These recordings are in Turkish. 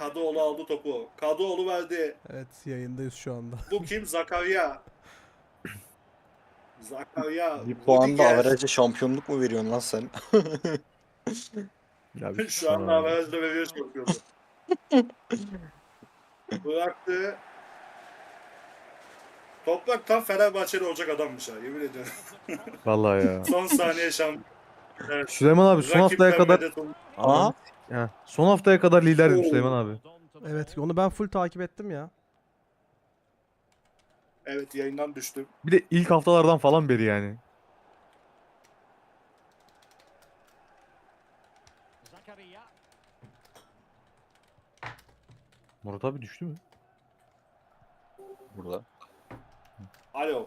Kadıoğlu aldı topu. Kadıoğlu verdi. Evet, yayındayız şu anda. Bu kim? Zakaria. Zakaria. Bir puan da Rudiger. averajı şampiyonluk mu veriyorsun lan sen? Ya bir Şu anda averajda veriyor şampiyonu. Bıraktı. Toprak tam Fenerbahçeli olacak adammış ha, yemin ediyorum. Vallahi ya. Son saniye şampiyon. Evet. Süleyman abi son haftaya Rakipten kadar medet oldu. Aha. ya, son haftaya kadar liderdim Oo. Süleyman abi. Evet, onu ben full takip ettim ya. Evet, yayından düştüm. Bir de ilk haftalardan falan beri yani. Murat abi düştü mü? Burada. Alo.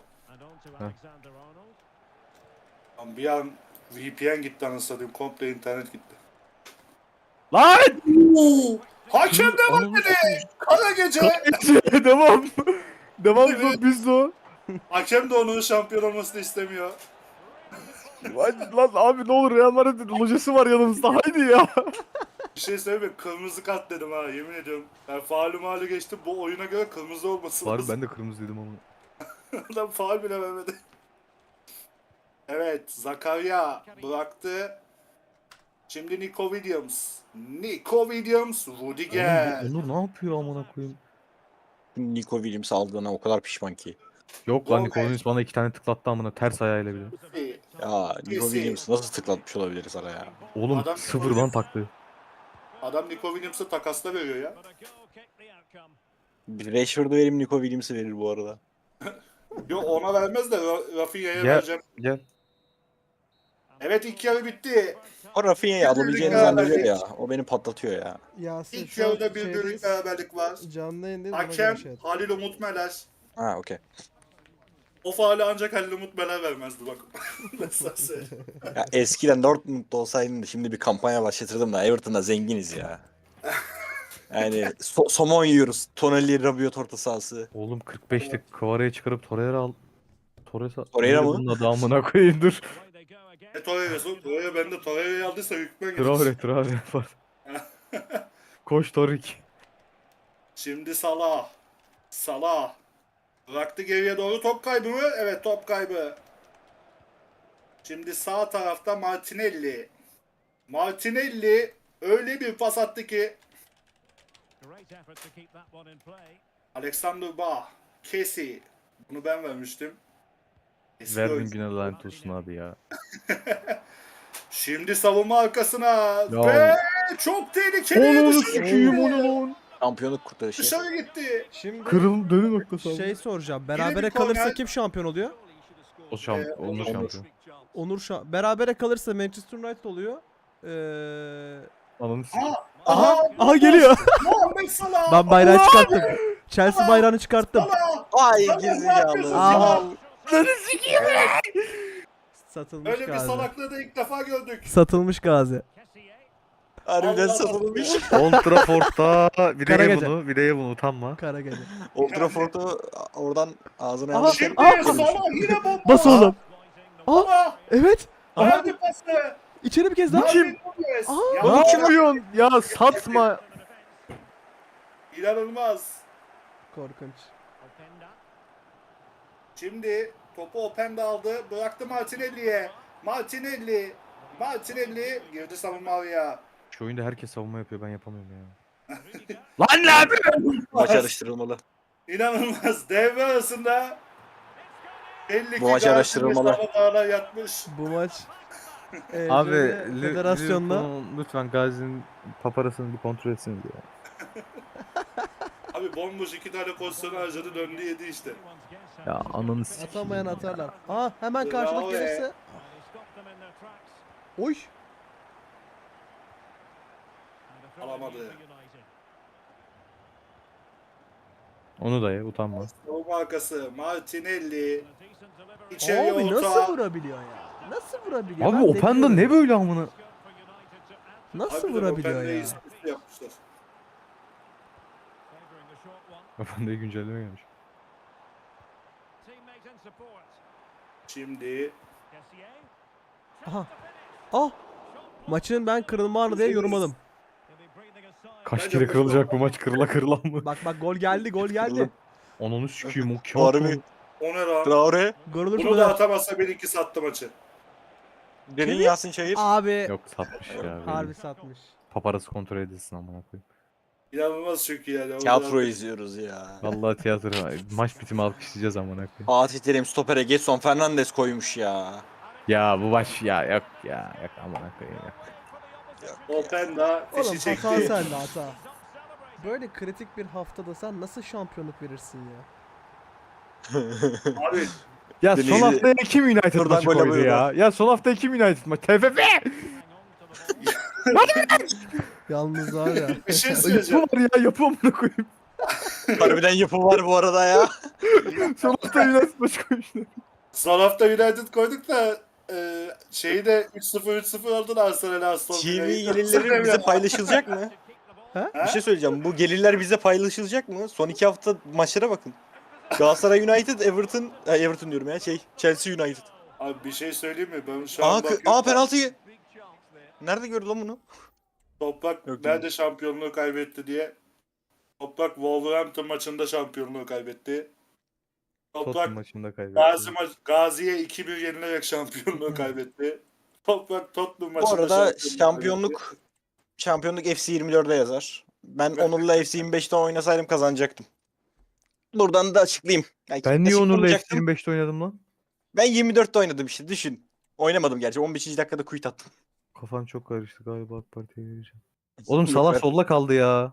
Lan bir an VPN gitti anasını satayım. Komple internet gitti. Lan! Hakem de var dedi. Kara gece. Devam. Devam biz o. Hakem de onun şampiyon olmasını istemiyor. Lan abi ne olur Real Madrid'in lojası var yanımızda haydi ya. Bir şey söyleyeyim mi? Kırmızı kart dedim ha, yemin ediyorum. Ben faulü malı geçtim. Bu oyuna göre kırmızı olması Var lazım. ben de kırmızı dedim ama. Adam faul bile vermedi. Evet, Zakaria bıraktı. Şimdi Nico Williams. Nico Williams, Rudiger. Onur ne yapıyor amına koyayım? Nico Williams aldığına o kadar pişman ki. Yok lan Gomez. Nikola'nın bana 2 tane tıklattı amına ters ayağıyla bile. Ya Nico Messi. Williams nasıl tıklatmış olabiliriz araya? Oğlum Adam sıfırdan taktı. Adam Nico Williams'ı takasla veriyor ya. Rashford'u vereyim, Nico Williams'ı verir bu arada. Yok, ona vermez de Rafinha'ya Gel vereceğim. gel. Evet, ilk yarı bitti. O Rafinha'yı alabileceğini Birlik zannediyor ya. beraberlik. O beni patlatıyor ya. Yasin İlk şu an yarıda bir birlik şeydeyiz. beraberlik var. Canlı yayındayız. ona göre Hakem şey yap. Halil Umut Meler. Ha okey. O faali ancak Halil Umut Meler vermezdi bak. Mesela söyleyeyim. Ya eskiden Dortmund'da olsaydım da şimdi bir kampanya başlatırdım da Everton'da zenginiz ya. Yani somon yiyoruz. Tonelli Rabiot orta sahası. Oğlum 45'lik Kvara'yı çıkarıp Torreira al. Torreira mı? Bunun adı amına koyayım dur. Torreira'sı. Torreira bende Torreira'yı aldıysa hükmen gidecek. Traore var. Koş Torik. Şimdi Salah. Salah. Bıraktı geriye doğru, top kaybı mı? Evet, top kaybı. Şimdi sağ tarafta Martinelli. Martinelli öyle bir pas attı ki Alexander Bah. Kesi. Bunu ben vermiştim. Eski Verdin oyuncu. güne lanet olsun abi ya. Şimdi savunma arkasına. Ya. Ve çok tehlikeli. Onu Dışarı sikiyim gitti. onu lan. Şampiyonluk kurtarışı. Dışarı gitti. Şimdi Kırıl dönü noktası abi. şey soracağım. bir Berabere korner. kalırsa kim şampiyon oluyor? O şampiyon. Onur şampiyon. Berabere kalırsa Manchester United oluyor. Ananı sikeyim. Aha geliyor. Muhammed Salah. Ben bayrağı çıkarttım. Chelsea bayrağını çıkarttım. Salah. Ay Salah, ne gerizekalı. yapıyorsun Aa. Salah? Satılmış Öyle bir Gazi. salaklığı da ilk defa gördük. Satılmış Gazi. Harbiden Allah satılmış. Old Trafford'da Kara bileye gece. bunu utanma. Kara gece. Old Trafford'u oradan ağzına Aha, alırken Şimdi Salah yine bomba. Bas oğlum. Salah. Evet. Verdi pası. İçeri bir kez daha. Darwin Nunez. Aa. Ya, Ne yapıyorsun? Ya satma. İnanılmaz. Korkunç. Şimdi topu Openda aldı. Bıraktı Martinelli'ye. Martinelli girdi savunma araya. Şu oyunda herkes savunma yapıyor ben yapamıyorum ya. Lan ne yapıyorsun? maç araştırılmalı. İnanılmaz. Devre arasında belli ki Bu maç Gazi araştırılmalı. Mesafa'da yatmış. Bu maç Abi federasyonda Liverpool'un lütfen Gazi'nin paparasını bir kontrol etsiniz ya. Abi bomboş 2 tane pozisyon harcadı, döndü yedi işte. Ya ananı sikeyim. atamayan atarlar. Aa hemen karşılık Bravo gelirse. Oy. Alamadı. Onu da ye utanma. Savunma arkası Martinelli. İçeriye Abi orta. nasıl vurabiliyor ya? Nasıl vurabiliyor? Abi Ben Openda demiyorum. ne böyle amına? Nasıl Harbiden vurabiliyor Openda'yı ya? istifi yapmışlar. Openda'ya güncelleme gelmiş. Şimdi Aha. Ah. Maçın ben kırılma anı diye yorumladım. Kaç Bence kere boş kırılacak ver. bu maç, kırıla kırıla mı? Bak gol geldi, gol geldi. Ananı sikeyim o kağıt Harbi. mı? O ne lan? Traore. Gol olursa Bunu gol da at. atamazsa 1-2 sattı maçı. Derin Yasin Çayır. Abi Yok satmış ya. harbi Belli. satmış. Paparası kontrol edilsin amına koyayım. İnanılmaz çünkü yani. O Tiyatro kadar- izliyoruz ya. Vallahi tiyatro maç bitimi alkışlayacağız amına koyayım. Fatih Terim stopere Getson Fernandes koymuş ya. Ya bu maç ya yok ya yok amına koyayım ya. Openda Oğlum fişi hata çekti. sende hata. Böyle kritik bir haftada sen nasıl şampiyonluk verirsin ya? Abi Ya son Denizli- haftaya kim United Buradan maçı gol koydu alıyor ya? Ya son haftaya kim United maçı? TFF! Yalnız var ya. bir şey Yapı söyleyeceğim. var ya yapı amına koyayım. Harbiden yapı var bu arada ya. Son haftaya United maçı koymuşlar. Son hafta United koyduk da şeyi de 3-0 aldın Arsenal'e Aston TV Villa'yı. gelirleri bize paylaşılacak mı? Ha? Bir şey söyleyeceğim. Bu gelirler bize paylaşılacak mı? Son 2 hafta maçlara bakın. Galatasaray United, Everton diyorum ya Chelsea United. Abi bir şey söyleyeyim mi? Ben şu an Aa, bakıyorum. aa penaltıyı. Nerede gördü lan bunu? Toprak Yok, nerede şampiyonluğu kaybetti diye. Toprak Wolverhampton maçında şampiyonluğu kaybetti. Tottenham Toprak maçında kaybetti. Gazi'ye 2-1 yenilerek şampiyonluğu kaybetti. Toprak Tottenham Bu maçında arada şampiyonluğu şampiyonluk FC 24'de yazar. Ben Onur'la FC 25'ten oynasaydım kazanacaktım. Buradan da açıklayayım. Yani Ben niye Onur'la açıklamayacaktım. FC25'te oynadım lan? Ben 24'te oynadım işte düşün. Oynamadım gerçi 15. dakikada quit attım. Kafam çok karıştı galiba AK Parti'ye vereceğim. Oğlum Salah solda kaldı ya.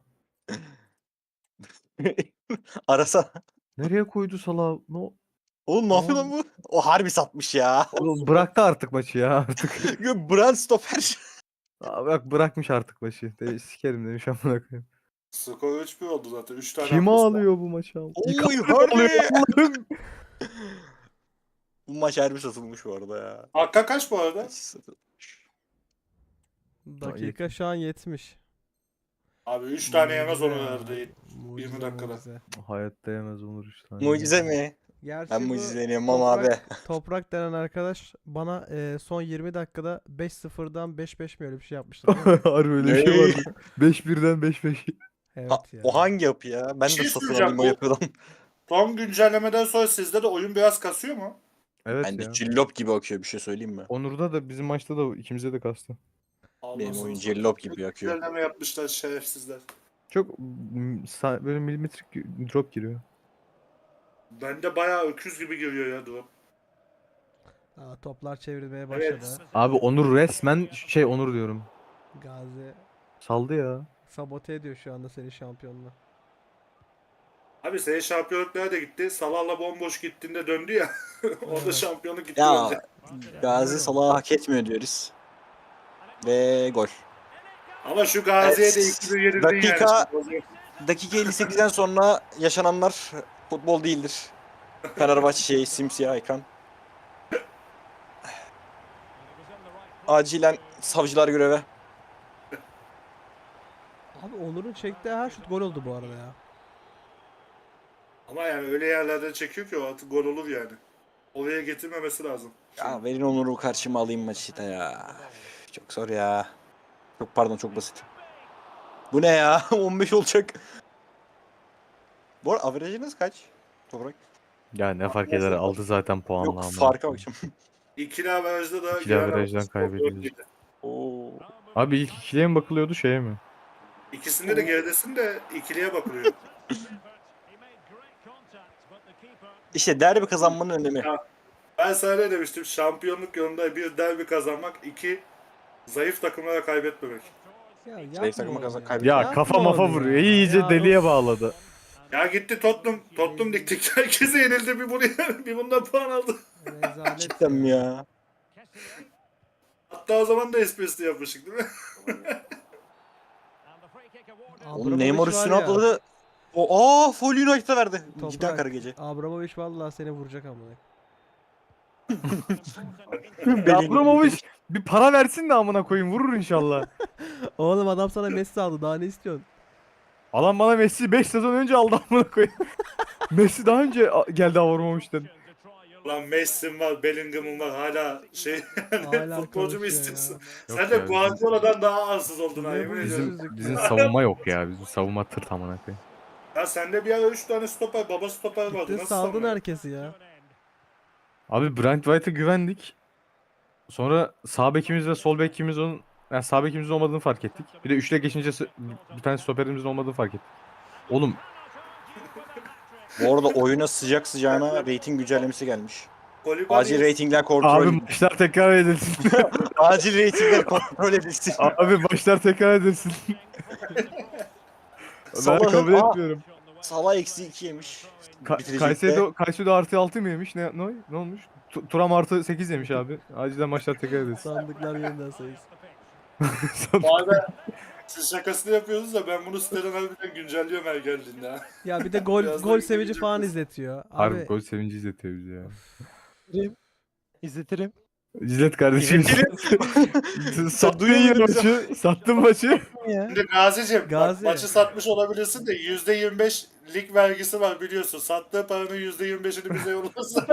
Arasa. Nereye koydu Salah? No. Oğlum ne yapıyor lan bu? O harbi satmış ya. Oğlum bıraktı artık maçı ya artık. Brand stoper. Abi bak bırakmış artık maçı. Sikerim demiş amına koyayım. Skor 3-1 oldu zaten. 3 tane Kim atmışlar. ağlıyor bu maça? Oy harbi. Bu maç harbi satılmış bu arada ya. Hakka kaç bu arada? Dakika şu an 70. Abi 3 tane yemez onu Mucize ya. verdi. Mucize, 20 dakikada. mucize. Hayatta yemez Onur 3 tane. Mucize mi? Gerçi Ben bu mucizeleniyorum ama abi. Toprak denen arkadaş bana son 20 dakikada 5-0'dan 5-5 mi öyle bir şey yapmıştı. değil mi? Harbi öyle bir şey Ey. vardı. 5-1'den 5-5. Evet ya. O hangi yapı ya? Ben Bir şey de satın söyleyeceğim, alayım o bu- yapıdan. Son güncellemeden sonra sizde de oyun biraz kasıyor mu? Evet Ben de ya. cillop gibi akıyor bir şey söyleyeyim mi? Onur'da da bizim maçta da ikimize de kastı. Benim Allah'ını oyun satayım. cillop gibi akıyor. Güncelleme yapmışlar şerefsizler. Çok böyle milimetrik drop giriyor. Bende bayağı öküz gibi giriyor ya durum. Aa, toplar çevrilmeye başladı. Evet. Abi Onur resmen Onur diyorum. Gazi Saldı ya. sabote ediyor şu anda senin şampiyonluğu. Abi senin şampiyonluk nerede gitti? Salah'la bomboş gittiğinde döndü ya. Orada Evet. şampiyonluk gitti Ya bence. Gazi Salah'ı hak etmiyor diyoruz. Ve gol. Ama şu Gazi'ye de Evet. 2-1 yenildin Dakika- yani. Dakika 58'den sonra yaşananlar futbol değildir. Fenerbahçe simsiyah ekran. Acilen savcılar göreve. Abi Onur'un çektiği her şut gol oldu bu arada ya. Ama yani öyle yerlerden çekiyor ki o artık gol olur yani. Oraya getirmemesi lazım. Ya verin Onur'u karşıma alayım maçı da ya. Çok zor ya. Çok pardon çok basit. Bu ne ya? 15 olacak. Bu arada averajınız kaç? Toprak. Ya ne fark eder aldı zaten puanla Yok ama. farka bakacağım. İkili averajda da İkili averajdan skor kaybediyoruz. 4-7. Oo. Abi ilk ikiliye mi bakılıyordu şeye mi? İkisinde de geridesin de ikiliye bakılıyor. İşte derbi kazanmanın önemi. Ben sana ne demiştim? Şampiyonluk yolunda bir derbi kazanmak, iki zayıf takımlara kaybetmemek. Ya Zayıf yapma takıma onu kazan- ya. kaybediyor. Ya Yapma kafa mafa onu vuruyor. ya. İyice Ya deliye of. bağladı. Ya gitti Tottenham diktik. Herkese yenildi bir bunu bir bundan puan aldı. Rezalet Cidden mi ya? Hatta o zaman da esprisini yapmıştık değil mi? Oğlum Abramovich Neymar var üstüne ya, atladı. Full United'a verdi. Toprak. Giden kara gece. Abramovich vallahi seni vuracak ama. Ya Abramovich bir para versin de amına koyayım vurur inşallah. Oğlum adam sana Messi aldı daha ne istiyorsun? Alan bana Messi 5 sezon önce aldı amına koyayım. Messi daha önce geldi Abramovich'ten. Lan Messi'm var, Bellingham'ım var hala Hala futbolcu mu konuşuyor istiyorsun? Yok Sen de ya, Guardiola'dan daha arsız oldun ha Ne yemin bu ediyorum. Bizim savunma yok ya. Bizim savunma tır amına koyayım. Ya sende bir ara 3 tane stoper, baba stoper vardı. Gittin Nasıl saldın savunma? herkesi ya. Abi Brent White'a güvendik. Sonra sağ bekimiz ve sol bekimiz onun yani sağ bekimizin olmadığını fark ettik. Bir de üçle geçince bir tane stoperimizin olmadığını fark ettik. Oğlum Bu arada oyuna sıcak sıcağına rating güncellemesi gelmiş. Kolibali Acil ratingler kontrol abi edilsin. maçlar tekrar edilsin. Acil ratingler kontrol edilsin. Abi maçlar tekrar edilsin. Ben Salah'ın- kabul Aa, etmiyorum. Salah eksi 2 yemiş. Bitirecek de. Kayseri'de artı 6 mı yemiş? Ne olmuş? Turam artı 8 yemiş abi. Acilen maçlar tekrar edilsin. Sandıklar yeniden sayılsın. Bu arada siz şakasını yapıyorsunuz da ben bunu siteden harbiden güncelliyorum her geldiğinde. Ha. Ya bir de gol Biraz da gol sevinci İngilizce falan kız. izletiyor. Harbi Abi gol sevinci izletiyor bizi ya. İzletirim. İzlet kardeşim. Sattın duyuyor yine musun? maçı. Sattın maçı. Şimdi Gazi'cim bak, Gazi. maçı satmış olabilirsin de %25 lig vergisi var biliyorsun. Sattığı paranın %25'ini bize yollasın.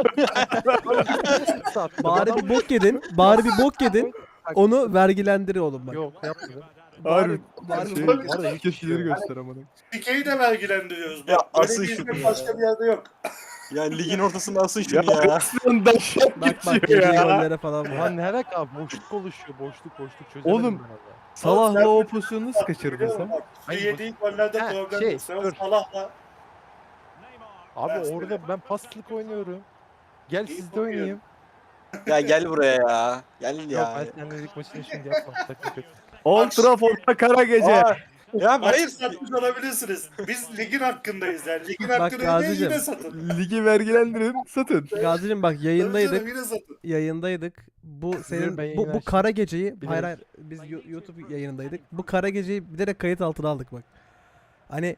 bari bir bok yedin. Bari bir bok yedin. Onu vergilendir oğlum bak. Yok yapmadım. Harbi. bari Şey, bu- var ya ilkeşileri göster amına. Dikeyi de vergilendiriyoruz. Ya Bak, böyle asıl bir şu hizmet ya. başka bir yerde yok. Yani ligin ortasında asın şunu Ya ya. resmen daşak Bak bak geçiyor yediği ya. gollere falan Ulan bak. ne alaka boşluk oluşuyor boşluk çözemedim Oğlum, ben valla. Salah'la o pozisyonu nasıl kaçırdın Biliyor musun? sen? Bak, şu Hayır, yediği gollerde Ha, problem şey, yok. Sen dur. Salah'la Abi Derste. orada ben paslık oynuyorum. Gel İyi sizde oynayayım. Ya gel buraya ya. Gel Yok ya. ben seninle lig maçını şimdi yapmam. Sakın kötü. Old Trafford'da kara gece. Aa, ya maçı hayır. satmış olabilirsiniz. Biz ligin hakkındayız yani. Ligin Bak hakkını ödeyin Gazi'cim. yine satın. Ligi vergilendirin satın. Gazi'cim bak Tabii yayındaydık. canım, yine satın. Yayındaydık. Bu senin ben bu, yayını bu açtım. kara geceyi hayır Biliyorum. hayır biz YouTube yayınındaydık. Bu kara geceyi bilerek kayıt altına aldık bak. Hani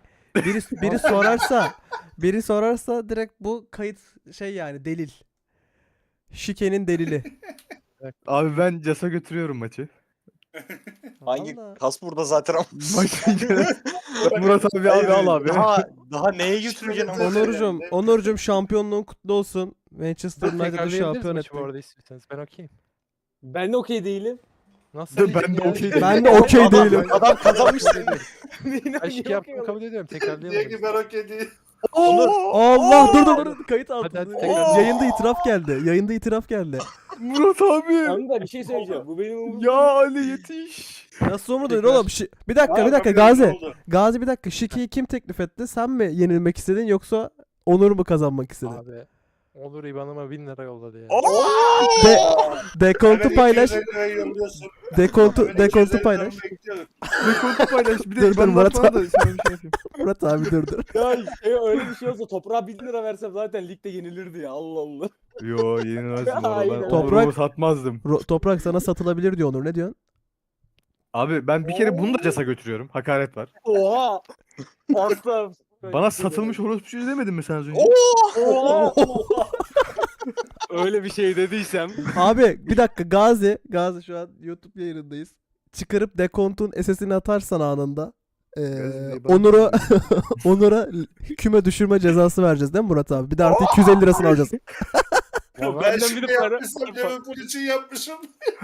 biri sorarsa direkt bu kayıt şey yani delil. Şikenin delili. Abi ben Cas'a götürüyorum maçı. Hangi Vallahi. kas burada zaten ama. Maç Murat abi Hayır, al abi. Daha neye götüreceksin ama? Onurcuğum şampiyonluğun kutlu olsun. Manchester United'ı Tekrarlayabiliriz şampiyon maçı bu ettik. arada istiyorsanız. Ben okeyim. Ben de okey değilim. Nasıl? Ben de okey değilim. Ben de okey değilim. Adam kazanmış. Ben şike yaptığımı kabul ediyorum. Diye Tekrarlayalım. ki ben okey değil. Allah dur kayıt altında. hadi, tekrar. Yayında itiraf geldi. Murat abi. Tamam da bir şey söyleyeceğim. Bu benim umurumda. Ya Ali yetiş. Nasıl umurduydun oğlum? Bir dakika Aa, Gazi. oldu. Gazi bir dakika. Şikeyi kim teklif etti? Sen mi yenilmek istedin yoksa Onur mu kazanmak istedi? Abi. Olur IBAN'ıma 1000 lira yolladı ya. Dekontu Hemen paylaş. 250 lirayı yolluyorsun. Dekontu Hemen 250 liramı paylaş. bekliyorum. Rekordu paylaş. Bir de Dur, ben Murat Murat da sana bir şey yapayım. Murat abi dur. Ya öyle bir şey olsa toprağa 1000 lira versem zaten ligde yenilirdi ya. Allah Allah. Yo yenilmezdim orada. Aynen. Ben Toprak- Onur'umu satmazdım. Toprak sana satılabilir diyor Onur. Ne diyorsun? Abi ben bir kere bunu da Cas'a götürüyorum. Hakaret var. Oha. Asla. Bana satılmış orospu demedin mi sen az önce? Oha. Öyle bir şey dediysem. Abi bir dakika Gazi şu an YouTube yayınındayız. Çıkarıp dekontun SS'ini atarsan anında. Gazi bana- Onur'a küme düşürme cezası vereceğiz değil mi Murat abi? Bir de artı 250 lirasını alacağız. Ben benden şimdi biri para- yapmışsam Liverpool için yapmışım.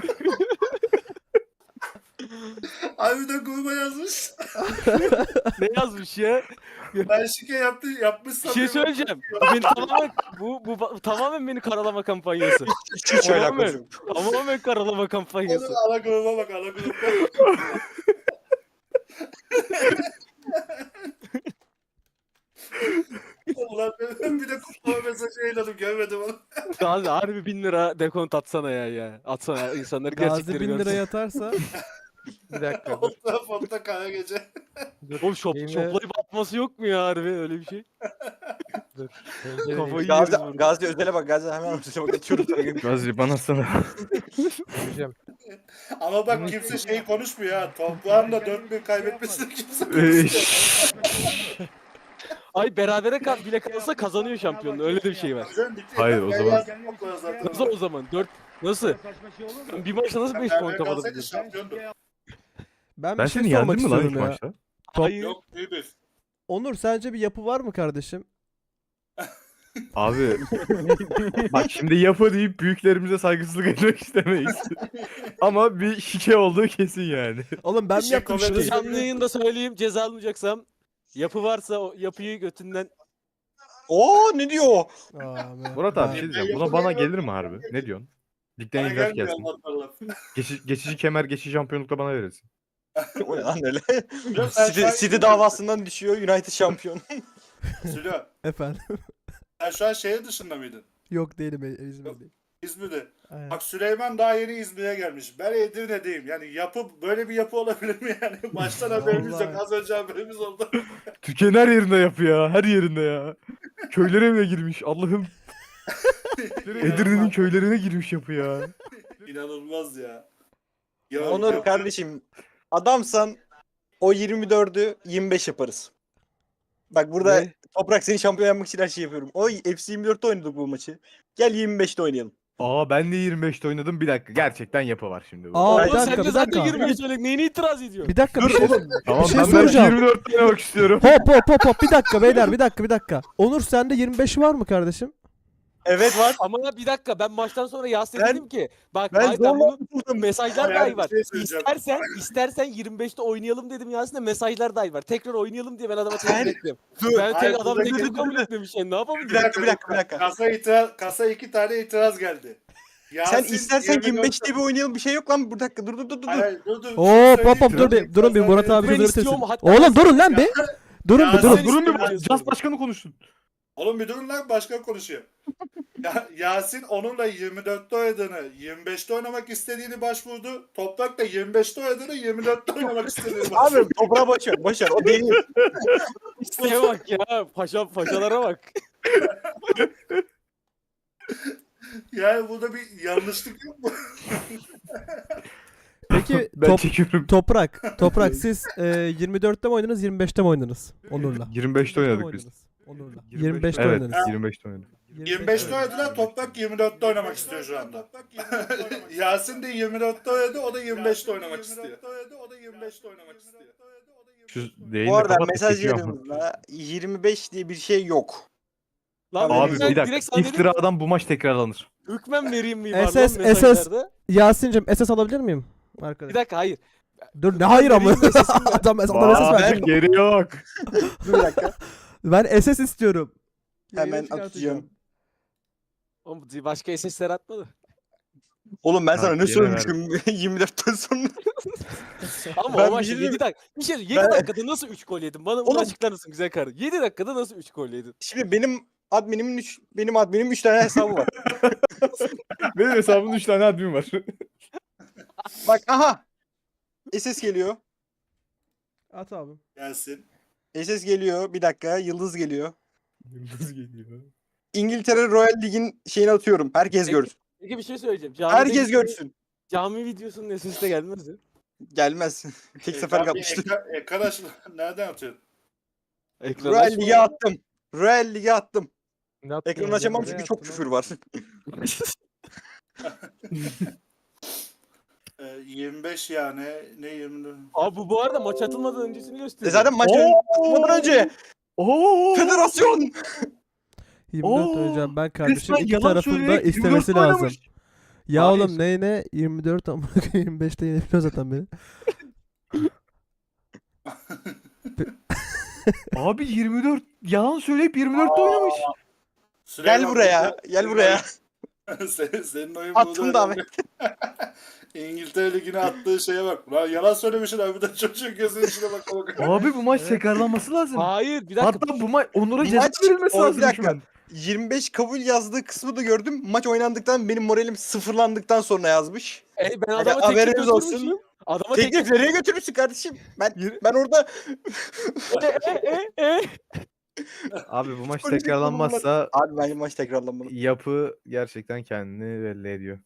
Abi de gruba yazmış. Ne yazmış ya? Ben şike yapmışsam Bir şey Liverpool söyleyeceğim. Bu tamamen beni karalama kampanyası. Hiç alakası yok. Tamamen karalama kampanyası. Oğlum, ana gruba bak ana gruba. Ulan ben bir de kutlama mesajı yayınladım görmedim onu. Gazi harbi 1000 lira dekont atsana ya. Atsana ya. İnsanlar Gazi gerçekleri 1000 görsün. liraya atarsa Bir dakika. dur. Fonta kara gece. Oğlum Yayını- şoplayıp atması yok mu ya harbi öyle bir şey? Dur. Pencereyi- Kafayı Gazi, yeriz burada. Gazi özele bak. Gazi hemen özele bak. Atıyorum sana. Gazi bana sana. Göreceğim. Ama bak kimse şey konuşmuyor ha. Toplamda 4000 kaybetmesini kimse konuşmuyor. Ay berabere bile kalsa kazanıyor şampiyonluğu. Öyle de bir şey var. Güzel, bitti. Hayır, o Ben zaman- yazdım yok bana zaten. Nasıl o zaman? 4 nasıl? Ben bir maçta nasıl 5 puan Beraber kapatabilirim? kalsaydı şampiyondu. ben Ben bir şey seni sormak yendim mi lan ilk istiyorum ya. maçta? Hayır. Yok bir. Onur sence bir yapı var mı kardeşim? Abi bak şimdi yapı deyip büyüklerimize saygısızlık etmek istemeyiz. Ama bir şike olduğu kesin yani. Oğlum ben mi Şaka yaptım verirsin. şikeyi? Canlı yayında söyleyeyim, ceza almayacaksam yapı varsa o yapıyı götünden Oo ne diyor o? Aa, Murat abi bir şey Ben diyeceğim. Buna bana gelir mi harbi? Ne diyorsun? Ligden Bana ihraç gelmiyor gelsin. anlatmalar. Geçici kemer, geçici şampiyonlukla bana verirsin. O ne lan öyle? Yok, sen şu an City davasından düşüyor, United şampiyon. Sülo, Efendim. sen şu an şehir dışında mıydın? Yok değilim İzmir'deyim. İzmir'de. Aynen. Bak Süleyman daha yeni İzmir'e gelmiş. Ben Edirne'deyim. Yani yapı böyle bir yapı olabilir mi yani? Baştan haberimiz yok. Vallahi. Az önce haberimiz oldu. Türkiye'nin her yerinde yapıyor ya. Her yerinde ya. Köylere bile girmiş. Allah'ım. Edirne'nin köylerine girmiş yapı ya. İnanılmaz ya. Ya Onur yapı- kardeşim, adamsan o 24'ü 25 yaparız. Bak burada Ne? Toprak seni şampiyon yapmak için her şeyi yapıyorum. O FC 24'te oynadık bu maçı. Gel 25'te oynayalım. Aa ben de 25'te oynadım. Bir dakika. Gerçekten yapı var şimdi. Aa, Oğlum bir Oğlum dakika, sen de bir zaten dakika. 20'yi söyle. Neyine itiraz ediyorsun? Bir dakika bir şey. Tamam bir şey ben soracağım. 24'te oynamak istiyorum. Hop bir dakika beyler bir dakika. Onur sende 25 var mı kardeşim? Evet var. Ama bir dakika, ben maçtan sonra Yasin'e Ben- dedim ki bak Ben hayır, ben zorla bunu tutuldum. mesajlar Yani dahi bir var. şey söyleyeceğim. İstersen 25'te oynayalım dedim Yasin'e, mesajlar dahi var. Tekrar oynayalım diye ben adama Sen- teklif ettim. Dur. Ben Hayır, tek adam buradaki- teklifi kabul etmemiş. Yani ne Bir yapabilirim? dakika. Kasa 2 tane itiraz geldi. Sen Yasin istersen 24'te 25'te bir oynayalım, bir şey yok lan. Bir dakika dur. Hayır, dur. Hop dur bir durun bir Murat abi Ben sözünü istiyorum, bitirsin. hatta Oğlum durun lan bir. Durun bir Ya durun. sen- Durun bir İstemiyorum. Cas başkanı konuşsun. Oğlum bir durun lan, başka konuşuyor. Yasin onunla 24'te oynadığını, 25'te oynamak istediğini başvurdu. Toprak da 25'te oynadığını, 24'te oynamak istediğini başvurdu. Abi toprağa boş ver. O değil. İsteğe bak ya. Paşalara bak. Yani burada bir yanlışlık yok mu? Peki Ben çekiyorum. Toprak siz 24'te mi oynadınız 25'te mi oynadınız Onur'la? 25'te oynadık biz. Onur'la. 25'te 25'te evet, oynadınız. 25'te oynadık. 25'te oynadılar, Toprak 24'te oynamak istiyor şu anda. Yasin de 24'te oynadı, o da 25'te oynamak istiyor. Şu yayını Bu arada kapat da mesaj çekiyor ama. yanımızda 25 diye bir şey yok. Lan Abi, Abi ben bir direkt dakika. sana dedim, İftiradan bu maç tekrarlanır. hükmen vereyim mi var SS lan mesajlarda? Yasin'cim SS alabilir miyim? Arkadaş. Bir dakika, hayır. Dur ne hayır ama. Vereyim SS'im ver. Adam SS Aa, verecek. geri yok. Dur bir dakika. Ben SS istiyorum. Hemen Yayına çıkartacağım. atacağım. Oğlum başka SS'ler atmadı. Oğlum ben sana Ha, ne yine söylemişim 24'ten sonra. Ama Ben o bir maçta şey 7 diyeyim- dakika. Bir şey 7 Ben- dakikada nasıl 3 gol yedin? Bana bunu Oğlum- açıklar mısın güzel kardeşim? 7 dakikada nasıl 3 gol yedin? Şimdi benim adminimin 3 tane hesabı var. Benim hesabımda 3 tane admin var. Bak aha. SS geliyor. At abi. Yasin. SS geliyor. Bir dakika. Yıldız geliyor. Yıldız geliyor. İngiltere Royal Lig'in şeyini atıyorum. Herkes Peki. görsün. Peki bir şey söyleyeceğim. Herkes görsün. Cami videosunun SS'i de gelmez mi? Gelmez. Tek sefer Tam bir kapmıştım. Ekran açıldı. Nereden atıyorsun? Ekran Royal açma. Lig'e attım. Royal Lig'e attım. Ne yaptın Ekranı hocam? açamam Nereye çünkü çok attın küfür var. 25 yani. Ne 24? Abi bu arada maç atılmadan öncesini gösteriyor. Zaten maç atmadan önce Oo! federasyon 24 Oo, oynayacağım ben kardeşim. Resmen İki yalan tarafın da söyleyerek istemesi 24 lazım. oynamış. Ya Hayır. oğlum ne 24 ama 25'te yenebiliyor zaten beni. Abi 24 yalan söyleyip 24'te oynamış. gel buraya. Gel buraya. Senin oyun Attım burada da önemli. İngiltere Ligi'ne attığı şeye bak. Lan yalan söylemişsin abi de çocuğun gözünün içine bak. Abi bu maç tekrarlanması lazım. Hayır bir dakika. Hatta bu maç Onur'a Bu ceza maç- verilmesi o, bir lazım dakika. hükmen. 25 kabul yazdığı kısmı da gördüm. Maç oynandıktan benim moralim sıfırlandıktan sonra yazmış. Ben Hadi adama teklif haberiniz olsun. götürmüşüm. Adama Teklif nereye götürürsün kardeşim? Ben orada Abi bu maç Psikolojik tekrarlanmazsa abi bence maç tekrarlanmalı. yapı gerçekten kendini belli ediyor.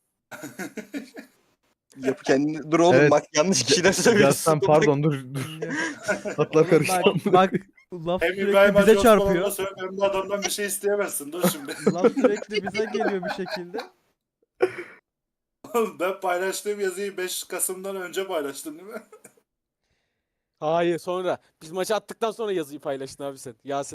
Yapı kendini dur oğlum Evet. bak yanlış kişiler söylüyorsun. Yazsan pardon dur. Atlar karıştı. Bak laf Hem sürekli İbrahim bize Hacı çarpıyor. Osman'la söyle hem de adamdan bir şey isteyemezsin. Dur şimdi. Laf sürekli bize geliyor bir şekilde. Ben paylaştığım yazıyı 5 Kasım'dan önce paylaştım değil mi? Hayır sonra. Biz maçı attıktan sonra yazıyı paylaştın abi sen. Yasin.